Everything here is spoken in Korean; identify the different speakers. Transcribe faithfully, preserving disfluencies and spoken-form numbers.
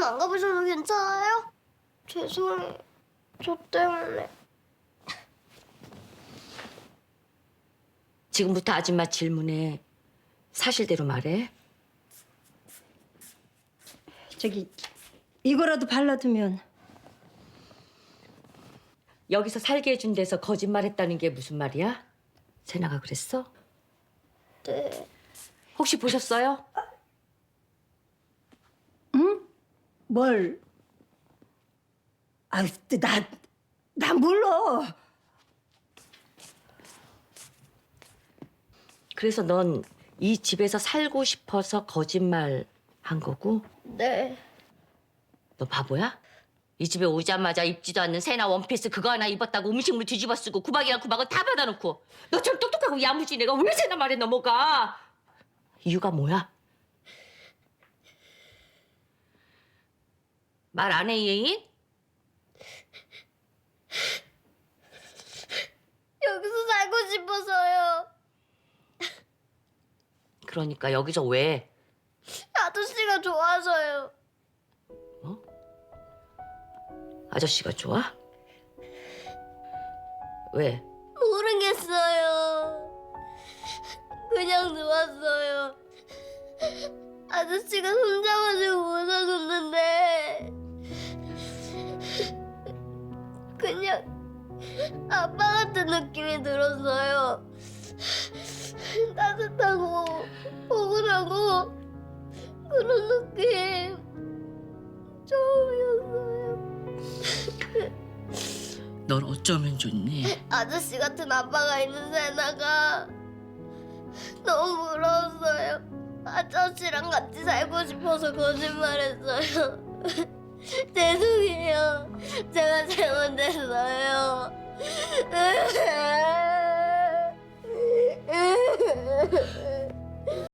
Speaker 1: 병원 안 가보셔도 괜찮아요? 죄송해요. 저 때문에.
Speaker 2: 지금부터 아줌마 질문에 사실대로 말해.
Speaker 3: 저기 이거라도 발라두면.
Speaker 2: 여기서 살게 해준 데서 거짓말했다는 게 무슨 말이야? 세나가 그랬어?
Speaker 1: 네.
Speaker 2: 혹시 보셨어요?
Speaker 3: 뭘? 아, 나, 나 몰라.
Speaker 2: 그래서 넌 이 집에서 살고 싶어서 거짓말 한 거고?
Speaker 1: 네.
Speaker 2: 너 바보야? 이 집에 오자마자 입지도 않는 세나 원피스 그거 하나 입었다고 음식물 뒤집어 쓰고 구박이랑 구박은 다 받아놓고 너처럼 똑똑하고 야무진 애가 왜 세나 말에 넘어가? 이유가 뭐야? 말 안 해, 이혜인?
Speaker 1: 여기서 살고 싶어서요.
Speaker 2: 그러니까 여기서 왜?
Speaker 1: 아저씨가 좋아서요.
Speaker 2: 아저씨가 좋아? 왜?
Speaker 1: 모르겠어요. 그냥 좋았어요. 아저씨가 손잡아주고 웃어줬는데 그냥 아빠 같은 느낌이 들었어요. 따뜻하고 포근하고 그런 느낌 처음이었어요.
Speaker 2: 널 어쩌면 좋니?
Speaker 1: 아저씨 같은 아빠가 있는 세나가 너무 부러웠어요. 아저씨랑 같이 살고 싶어서 거짓말했어요. 죄송해요. 제가 잘못했어요.